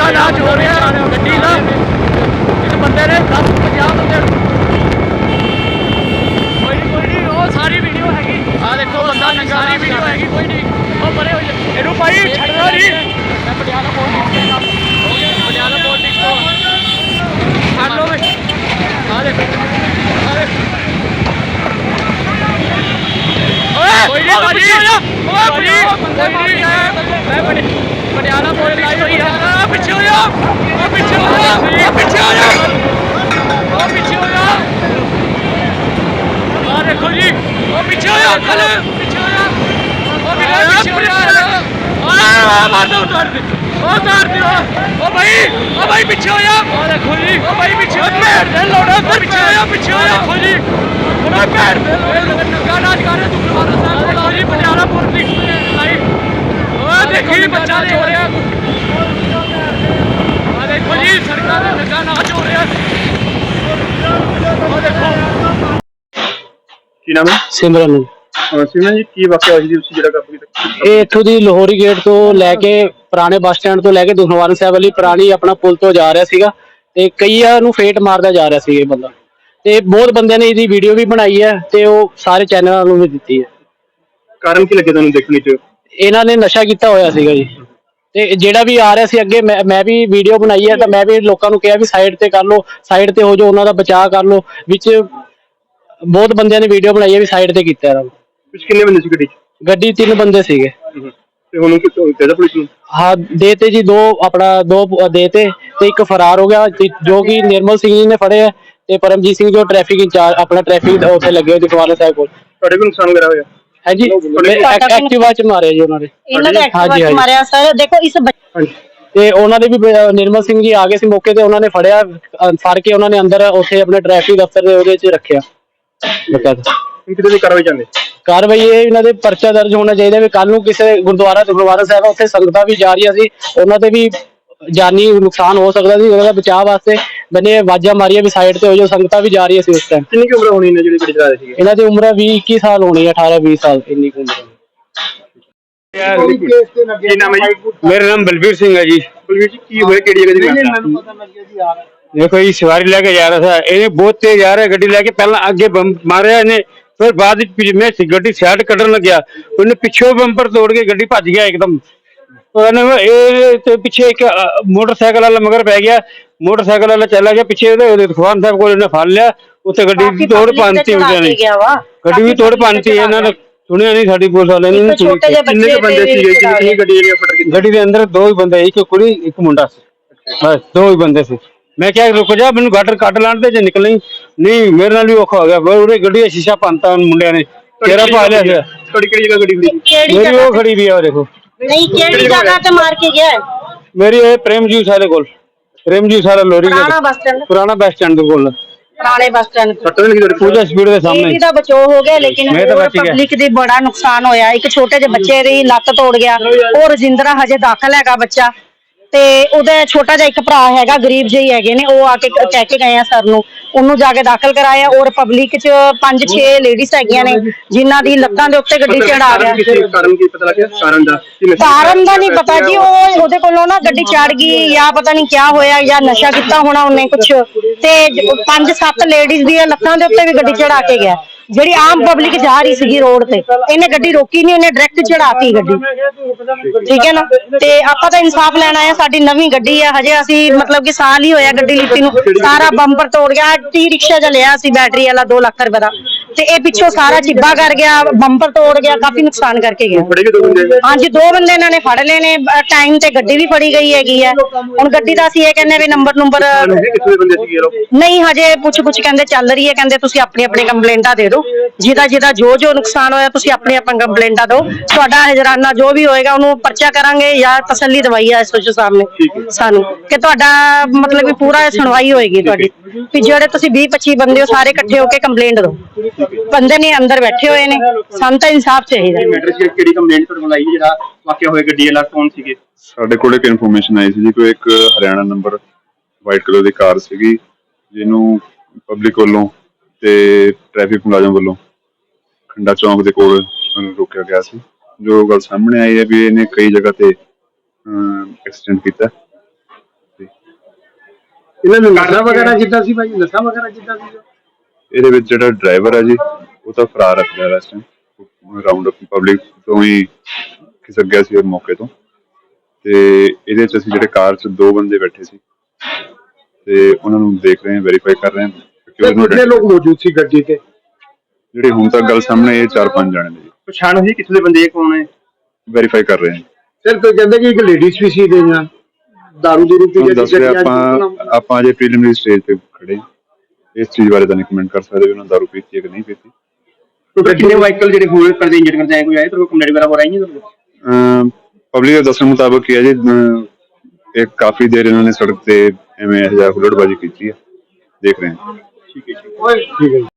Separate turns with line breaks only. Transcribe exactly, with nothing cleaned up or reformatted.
नाच हो रहा है गड्डी का इस बंदे ने दस पंजाह बंदे कोई नहीं कोई नहीं वो सारी वीडियो हैगी आ देखो बंदा नंगा सारी वीडियो हैगी कोई नहीं वो बड़े हो जाए इनू भाई छड़ना नहीं मैं पटियाला पॉलिटिक्स का हो गया पटियाला पॉलिटिक्स को छड़ लो वे आ देखो आ देखो कोई नहीं भाई कोई नहीं मैं बड़े पटियाला पॉलिटिक्स तो ही है पीछे हो जा ओ पीछे हो जा ओ पीछे हो जा ओ पीछे हो जा आ देखो जी ओ पीछे हो जा चल पीछे हो जा ओ मेरा पीछे हो जा आ मार दो उतार दे ओ उतार दे ओ भाई ओ भाई पीछे हो जा ओ देखो जी ओ भाई पीछे हो जा दे लोड़ा ओ पीछे हो जा पीछे हो जा देखो जी ओ पैर दे नंगा नाच कर रहे तू गुरुद्वारा साहब देखो जी पटियाला पॉलिटिक्स लाइव ओ देखो जी बच्चा हो रहा आ देखो जी सरकार का नंगा नाच हो रहा ओ देखो
ਕੀ ਨਾਮ ਹੈ
सिमरन
ਸਿਮਰਨ ਜੀ ਕੀ ਵਾਕਿਆ ਹੋਇਆ ਸੀ ਤੁਸੀਂ ਜਿਹੜਾ ਕਾਬੂ ਕੀਤਾ
ਇਹ ਇੱਥੋਂ ਦੀ ਲਾਹੌਰੀ ਗੇਟ ਤੋਂ ਲੈ ਕੇ ਪੁਰਾਣੇ ਬੱਸ ਸਟੈਂਡ ਤੋਂ ਲੈ ਕੇ ਦੁਖਨਿਵਾਰਨ ਸਾਹਿਬ ਵਾਲੀ ਪੁਰਾਣੀ ਆਪਣਾ ਪੁਲ ਤੋਂ ਜਾ ਰਿਹਾ ਸੀਗਾ ਤੇ ਕਈਆਂ ਨੂੰ ਫੇਟ ਮਾਰਦਾ ਜਾ ਰਿਹਾ ਸੀ ਇਹ ਬੰਦਾ ਤੇ ਬਹੁਤ ਬੰਦਿਆਂ ਨੇ ਇਹਦੀ ਵੀਡੀਓ ਵੀ ਬਣਾਈ ਹੈ ਤੇ ਉਹ ਸਾਰੇ ਚੈਨਲਾਂ ਨੂੰ ਵੀ ਦਿੱਤੀ ਹੈ।
ਕਾਰਨ ਕੀ ਲੱਗੇ ਤੁਹਾਨੂੰ ਦੇਖਣ ਚ
ਇਹਨਾਂ ਨੇ ਨਸ਼ਾ ਕੀਤਾ ਹੋਇਆ ਸੀਗਾ ਜੀ ਤੇ ਜਿਹੜਾ ਵੀ ਆ ਰਿਹਾ ਸੀ ਅੱਗੇ ਮੈਂ ਮੈਂ ਵੀ ਵੀਡੀਓ ਬਣਾਈ ਹੈ ਤਾਂ ਮੈਂ ਵੀ ਲੋਕਾਂ ਨੂੰ ਕਿਹਾ ਵੀ ਸਾਈਡ ਤੇ ਕਰ ਲਓ ਸਾਈਡ ਤੇ ਹੋ ਜਾਓ ਉਹਨਾਂ ਦਾ ਬਚਾਅ ਕਰ ਲਓ ਵਿੱਚ ਬਹੁਤ ਬੰਦਿਆਂ ਨੇ ਵੀਡੀਓ ਬਣਾਈ ਹੈ ਵੀ ਸਾਈਡ ਤੇ ਕੀਤਾ ਇਹਨਾਂ ਨੂੰ।
ਵਿੱਚ ਕਿੰਨੇ ਬੰਦੇ ਸੀ ਗੱਡੀ ਚ
ਗੱਡੀ ਤਿੰਨ ਬੰਦੇ ਸੀਗੇ
ਤੇ ਹੁਣ ਕਿੱਥੋਂ ਕਿਹਦਾ ਪੁਲਿਸ ਨੂੰ
हाँ देते जी दो अपना दो देते तो एक फरार हो गया जो कि निर्मल सिंह जी ने फड़े है ते परमजीत सिंह जो ट्रैफिक इंचार्ज अपना ट्रैफिक उत्थे लगे हुए दुखवाला साहब कोल
ਤੁਹਾਡੇ ਵੀ ਨੁਕਸਾਨ ਵਗੈਰਾ ਹੋਇਆ
है जी एक्टिवा च मारे जी उन्होंने
ਇਹਨਾਂ ਦੇ ਐਕਟਿਵਾ ਚ ਮਾਰਿਆ ਸਰ ਦੇਖੋ ਇਸ
ਹਾਂਜੀ
ਤੇ ਉਹਨਾਂ ਦੇ ਵੀ ਨਿਰਮਲ ਸਿੰਘ ਜੀ ਆ ਗਏ ਸੀ ਮੌਕੇ ਤੇ ਉਹਨਾਂ ਨੇ ਫੜਿਆ ਫੜ ਕੇ ਉਹਨਾਂ ਨੇ ਅੰਦਰ ਉੱਥੇ ਆਪਣੇ ਟ੍ਰੈਫਿਕ ਦਫ਼ਤਰ ਦੇ ਉਹਦੇ ਚ ਰੱਖਿਆ ਬਕਾਇਦਾ
ਕਿਤੇ ਦੀ ਕਾਰਵਾਈ ਚਾਹੁੰਦੇ
ਕਾਰਵਾਈ ਇਹ ਇਹਨਾਂ ਦੇ ਪਰਚਾ ਦਰਜ ਹੋਣਾ ਚਾਹੀਦਾ ਵੀ ਕੱਲ ਨੂੰ ਕਿਸੇ ਗੁਰਦੁਆਰਾ ਗੁਰਦੁਆਰਾ ਸਾਹਿਬ ਉੱਥੇ ਸੰਗਤਾਂ ਵੀ ਜਾ ਰਹੀਆਂ ਸੀ ਉਹਨਾਂ ਤੇ ਵੀ ਜਾਨੀ ਨੁਕਸਾਨ ਹੋ ਸਕਦਾ ਸੀ ਉਹਦਾ ਬਚਾਅ ਵਾਸਤੇ ਬੰਦੇ ਆਵਾਜ਼ਾਂ ਮਾਰੀਆਂ ਵੀ ਸਾਈਡ ਤੇ ਹੋ ਜਾਓ ਸੰਗਤਾਂ ਵੀ ਜਾ ਰਹੀਆਂ ਸੀ ਉਸ ਟਾਈਮ।
ਕਿੰਨੀ ਕੁ ਉਮਰ ਹੋਣੀ ਨੇ ਜਿਹੜੀ ਗੱਡੀ ਚਲਾ ਰਹੇ ਸੀ
ਇਹਨਾਂ ਦੀ ਉਮਰ ਵੀਹ ਇੱਕੀ ਸਾਲ ਹੋਣੀ ਹੈ ਅਠਾਰਾਂ ਵੀਹ ਸਾਲ ਇੰਨੀ ਕੁ ਉਮਰ
ਕੀ ਨਾਮ ਹੈ ਜੀ
मेरा नाम बलबीर सिंह है जी।
ਬਲਵੀਰ ਜੀ ਕੀ ਹੋਇਆ ਕਿਹੜੀ ਜਗ੍ਹਾ ਦੀ
देखो ये सवारी लेके जा रहा था इन्हें बहुत तेज आ रहा है गड्डी लेके पहला आगे बम मारे इन्हें फिर बाद में गड्डी साइड कटन लग गया उन्हें पिछो बंपर तोड़ के गड्डी भज गया एकदम तो पिछे एक मोटरसाइकिल वाला मगर पै गया मोटरसाइकिल वाला चला गया पिछे दुखवान साहब को फड़ लिया उत्थे गड्डी तोड़ पाती ने गड्डी भी तोड़ पाती इन्होंने सुनिया नहीं साडी पुलिस वाले ने
किन्ने के बंदे सीगे कितनी गड्डी जेडी फट गई
गड्डी के अंदर दो ही बंदे एक कुड़ी एक मुंडा सी बस दो ही बंदे सी मैं क्या रुक जा मैनू गटर कट लाण दे जे निकल नहीं मेरे नाल भी औखा हो गया फिर गड्डी का शीशा भंनता मुंडिया ने तेरा पा लिया
थोड़ी केड़ी जगह गड्डी खड़ी
मेरी वो खड़ी भी है देखो
नहीं केड़ी जगह ते मार के गया
मेरी ये प्रेम जूस वाले कोल प्रेम जूस वाला लोरी
पुराना बस स्टैंड
पुराना बस स्टैंड कोल
पुराने बस स्टैंड
सट्टा नहीं लगी
पूजा स्पीड के सामने
ਇਹਦਾ ਬਚਾਅ ਹੋ ਗਿਆ ਲੇਕਿਨ
ਮੈਂ ਤਾਂ ਬਚ ਗਿਆ।
ਪਬਲਿਕ ਦੀ ਬੜਾ ਨੁਕਸਾਨ ਹੋਇਆ ਇੱਕ ਛੋਟੇ ਜਿਹੇ ਬੱਚੇ ਦੀ ਲੱਤ ਤੋੜ ਗਿਆ ਉਹ ਰਜਿੰਦਰਾ ਹਜੇ ਦਾਖਲ ਹੈਗਾ ਬੱਚਾ ਤੇ ਉਹਦਾ ਛੋਟਾ ਜਿਹਾ ਇੱਕ ਭਰਾ ਹੈਗਾ ਗਰੀਬ ਜਿਹੀ ਹੈਗੇ ਨੇ ਉਹ ਆ ਕੇ ਕਹਿ ਕੇ ਗਏ ਆ ਸਰ ਨੂੰ ਉਹਨੂੰ ਜਾ ਕੇ ਦਾਖਲ ਕਰਾਇਆ ਔਰ ਪਬਲਿਕ ਚ ਪੰਜ ਛੇ ਲੇਡੀਜ਼ ਹੈਗੀਆਂ ਨੇ ਜਿਨ੍ਹਾਂ ਦੀ ਲੱਤਾਂ ਦੇ ਉੱਤੇ ਗੱਡੀ ਚੜਾ ਗਿਆ
ਕਾਰਨ ਕੀ ਪਤਾ ਲੱਗਿਆ ਕਾਰਨ ਦਾ
ਕਾਰਨ ਦਾ ਨਹੀਂ ਪਤਾ ਜੀ ਉਹ ਉਹਦੇ ਕੋਲੋਂ ਨਾ ਗੱਡੀ ਚੜ ਗਈ ਜਾਂ ਪਤਾ ਨਹੀਂ ਕਿਆ ਹੋਇਆ ਜਾਂ ਨਸ਼ਾ ਕੀਤਾ ਹੋਣਾ ਉਹਨੇ ਕੁਛ ਤੇ ਪੰਜ ਸੱਤ ਲੇਡੀਜ਼ ਦੀਆਂ ਲੱਤਾਂ ਦੇ ਉੱਤੇ ਵੀ ਗੱਡੀ ਚੜਾ ਕੇ ਗਿਆ ਜਿਹੜੀ ਆਮ ਪਬਲਿਕ ਜਾ ਰਹੀ ਸੀਗੀ ਰੋਡ ਤੇ ਇਹਨੇ ਗੱਡੀ ਰੋਕੀ ਨਹੀਂ ਉਹਨੇ ਡਾਇਰੈਕਟ ਚੜਾਤੀ ਗੱਡੀ ਠੀਕ ਹੈ ਨਾ ਤੇ ਆਪਾਂ ਤਾਂ ਇਨਸਾਫ ਲੈਣਾ ਹੈ ਸਾਡੀ ਨਵੀਂ ਗੱਡੀ ਹੈ ਹਜੇ ਅਸੀਂ ਮਤਲਬ ਕਿ ਸਾਲ ਹੀ ਹੋਇਆ ਗੱਡੀ ਲਿੱਤੀ ਨੂੰ ਸਾਰਾ ਬੰਪਰ ਤੋੜ ਗਿਆ ਟੀ ਰਿਕਸ਼ਾ ਜਿਹਾ ਲਿਆ ਸੀ ਬੈਟਰੀ ਵਾਲਾ ਦੋ ਲੱਖ ਰੁਪਏ ਦਾ ਤੇ ਇਹ ਪਿੱਛੋਂ ਸਾਰਾ ਚਿੱਬਾ ਕਰ ਗਿਆ ਬੰਪਰ ਤੋੜ ਗਿਆ ਕਾਫੀ ਨੁਕਸਾਨ ਕਰਕੇ ਗਿਆ ਹਾਂਜੀ ਦੋ ਬੰਦੇ ਇਹਨਾਂ ਨੇ ਫੜ ਲਏ ਨੇ ਟਾਈਮ ਤੇ ਗੱਡੀ ਵੀ ਫੜੀ ਗਈ ਹੈਗੀ ਹੈ ਹੁਣ ਗੱਡੀ ਦਾ ਅਸੀਂ ਇਹ ਕਹਿੰਦੇ ਵੀ ਨੰਬਰ ਨੰਬਰ ਨਹੀਂ ਹਜੇ ਪੁੱਛ ਪੁੱਛ ਕਹਿੰਦੇ ਚੱਲ ਰਹੀ ਹੈ ਕਹਿੰਦੇ ਤੁਸੀਂ ਆਪਣੀ ਆਪਣੀ ਕੰਪਲੇਂਟਾਂ ਦੇ ਦਿਓ ਜਿਹਦਾ ਜਿਹਦਾ ਜੋ ਜੋ ਨੁਕਸਾਨ ਹੋਇਆ ਤੁਸੀਂ ਆਪਣੀ ਆਪਣੀ ਕੰਪਲੇਂਟਾਂ ਦਿਓ ਤੁਹਾਡਾ ਹਜਰਾਨਾ ਜੋ ਵੀ ਹੋਏਗਾ ਉਹਨੂੰ ਪਰਚਾ ਕਰਾਂਗੇ ਜਾਂ ਤਸੱਲੀ ਦਵਾਈ ਹੈ ਐਸਓਚਓ ਸਾਹਮਣੇ ਸਾਨੂੰ ਕਿ ਤੁਹਾਡਾ ਮਤਲਬ ਕਿ ਪੂਰਾ ਸੁਣਵਾਈ ਹੋਏਗੀ ਤੁਹਾਡੀ ਵੀ ਜਿਹੜੇ ਤੁਸੀਂ ਵੀਹ ਪੱਚੀ ਬੰਦੇ ਹੋ ਸਾਰੇ ਇਕੱਠੇ ਹੋ ਕੇ ਕੰਪਲੇਂਟ ਦਿਓ ਬੰਦੇ ਨੇ ਅੰਦਰ ਬੈਠੇ ਹੋਏ ਨੇ ਸਾਨੂੰ ਤਾਂ ਇਨਸਾਫ ਚਾਹੀਦਾ
ਕਿਹੜੀ ਕੰਪਲੇਂਟ ਤੁਹਾਨੂੰ ਲਾਈ ਜਿਹੜਾ ਵਾਕਿਆ ਹੋਇਆ ਗੱਡੀ ਵਾਲਾ ਕੌਣ ਸੀਗੇ
ਸਾਡੇ ਕੋਲ ਇੱਕ ਇਨਫੋਰਮੇਸ਼ਨ ਆਈ ਸੀ ਜੀ ਕੋਈ ਇੱਕ ਹਰਿਆਣਾ ਨੰਬਰ ਵਾਈਟ ਕਲਰ ਦੀ ਕਾਰ ਸੀਗੀ ਜਿਹਨੂੰ ਪਬਲਿਕ ਵੱਲੋਂ ਤੇ ਟ੍ਰੈਫਿਕ ਮੁਲਾਜ਼ਮ ਵੱਲੋਂ ਖੰਡਾ ਚੌਂਕ ਦੇ ਕੋਲ ਰੋਕਿਆ ਗਿਆ ਸੀ ਜੋ ਗੱਲ ਸਾਹਮਣੇ ਆਈ ਹੈ ਵੀ ਇਹਨੇ ਕਈ ਜਗ੍ਹਾ ਤੇ ਐਕਸੀਡੈਂਟ ਕੀਤਾ
ਇਹਨਾਂ ਨੇ ਨਸ਼ਾ ਵਗੈਰਾ ਕੀਤਾ ਸੀ ਭਾਈ, ਨਸ਼ਾ ਵਗੈਰਾ ਕੀਤਾ ਸੀ?
ਇਹਦੇ ਵਿੱਚ ਜਿਹੜਾ ਡਰਾਈਵਰ ਹੈ ਜੀ ਉਹ ਤਾਂ ਫਰਾਰ ਰੱਖਦਾ ਇਸ ਟਾਈਮ, ਰਾਉਂਡ ਅਪ ਪਬਲਿਕ ਤੋਂ ਹੀ ਖਿਸਕ ਗਿਆ ਸੀ ਮੌਕੇ ਤੋਂ। ਤੇ ਇਹਦੇ ਚ ਅਸੀਂ ਜਿਹੜੇ ਕਾਰ ਚ ਦੋ ਬੰਦੇ ਬੈਠੇ ਸੀ ਤੇ ਉਹਨਾਂ ਨੂੰ ਦੇਖ ਰਹੇ ਹਾਂ, ਵੈਰੀਫਾਈ ਕਰ ਰਹੇ ਹਾਂ।
ਕਿੰਨੇ ਲੋਕ ਮੌਜੂਦ ਸੀ ਗੱਡੀ ਤੇ?
ਜਿਹੜੇ ਹੁਣ ਤੱਕ ਗੱਲ ਸਾਹਮਣੇ ਇਹ ਚਾਰ ਪੰਜ ਜਾਣੇ ਨੇ ਜੀ।
ਪਛਾਣ ਹੋਈ ਕਿੱਥੇ ਦੇ ਬੰਦੇ ਕੌਣ ਹੈ?
ਵੈਰੀਫਾਈ ਕਰ ਰਹੇ ਹਾਂ।
ਸਰ ਕੋਈ ਕਹਿੰਦੇ ਕਿ ਇੱਕ ਲੇਡੀਜ਼ ਵੀ ਸੀ ਦੇ ਨਾਲ ਦਾਰੂ ਦੂਰੂ ਪੀ ਕੇ
ਦੱਸ ਰਿਹਾ ਆਪਾਂ ਆਪਾਂ ਅਜੇ ਪ੍ਰੀਲਿਮਿਨਰੀ ਸਟੇਜ ਤੇ ਖੜੇ ਹਾਂ। ਇਸ ਚੀਜ਼ ਬਾਰੇ ਤਾਂ ਨਹੀਂ ਕਮੈਂਟ ਕਰ ਸਕਦੇ ਵੀ ਉਹਨਾਂ ਦਾਰੂ ਪੀਤੀ ਹੈ ਕਿ ਨਹੀਂ ਪੀਤੀ।
ਕਿੰਨੇ ਵਾਹੀਕਲ ਜਿਹੜੇ ਹੋਏ ਪਰ ਇੰਜਰ ਕਰਦੇ ਆਏ ਕੋਈ ਆਏ ਤਾਂ ਕੰਪਲੇਂਟ ਵਗੈਰਾ ਹੋ ਰਹੀ ਹੈ?
ਪਬਲਿਕ ਦੇ ਦੱਸਣ ਮੁਤਾਬਕ ਕੀ ਹੈ ਜੀ, ਇਹ ਕਾਫੀ ਦੇਰ ਇਹਨਾਂ ਨੇ ਸੜਕ ਤੇ ਐਵੇਂ ਇਹੋ ਜਿਹਾ ਹੁੱਲੜਬਾਜ਼ੀ ਕੀਤੀ ਹੈ, ਦੇਖ ਰਹੇ ਹਾਂ।
ਠੀਕ ਹੈ ਜੀ।
ਠੀਕ ਹੈ।